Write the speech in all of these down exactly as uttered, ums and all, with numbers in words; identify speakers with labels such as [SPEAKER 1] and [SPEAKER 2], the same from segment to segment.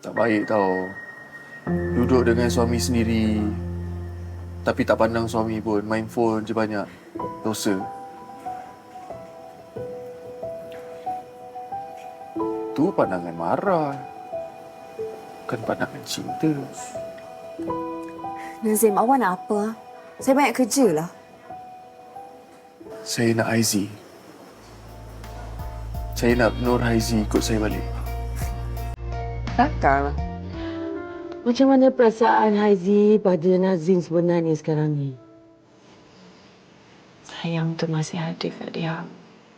[SPEAKER 1] Tak baik tau. Duduk dengan suami sendiri, tapi tak pandang suami pun. Main phone je banyak. Dosa. Tu pandangan marah. Bukan pandangan cinta.
[SPEAKER 2] Nazim, awak nak apa? Saya banyak kerja lah.
[SPEAKER 1] Saya nak Haizi. Saya nak Nur Haizi ikut saya balik.
[SPEAKER 3] Takkan. Macam mana perasaan Haizi pada Nazim sebenarnya sekarang ni?
[SPEAKER 2] Sayang tu masih ada kat dia.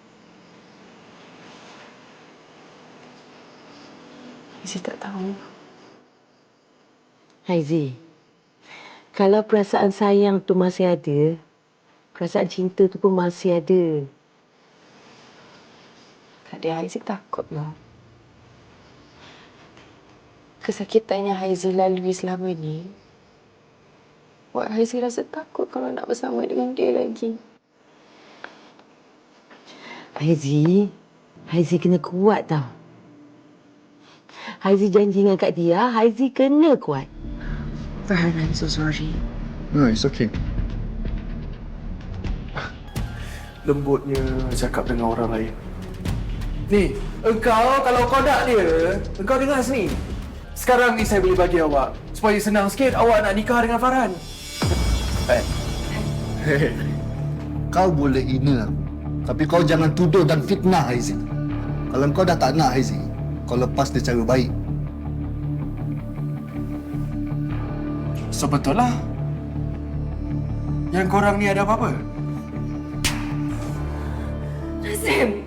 [SPEAKER 2] Saya tak tahu.
[SPEAKER 3] Haizi, kalau perasaan sayang tu masih ada, perasaan cinta tu pun masih ada.
[SPEAKER 2] Kak dia Haizi takutlah. Kesakitan yang Haizi lalui selama ni buat Haizi rasa takut kalau nak bersama dengan dia lagi.
[SPEAKER 3] Haizi, Haizi kena kuat tau. Haizi janji dengan Kak Dia, Haizi kena kuat.
[SPEAKER 2] Farhan, I'm so sorry.
[SPEAKER 1] No, it's okay. Lembutnya cakap dengan orang lain. Ni, engkau kalau kau nak dia, engkau dengar sini. Sekarang ni saya boleh bagi awak. Supaya senang sikit, awak nak nikah dengan Farhan. Eh.
[SPEAKER 4] Hei, kau boleh hina aku. Tapi kau jangan tuduh dan fitnah Haizi. Kalau kau dah tak nak Haizi, kau lepas dia cara baik.
[SPEAKER 1] So betul lah. Yang korang ni ada apa-apa?
[SPEAKER 2] Nazim!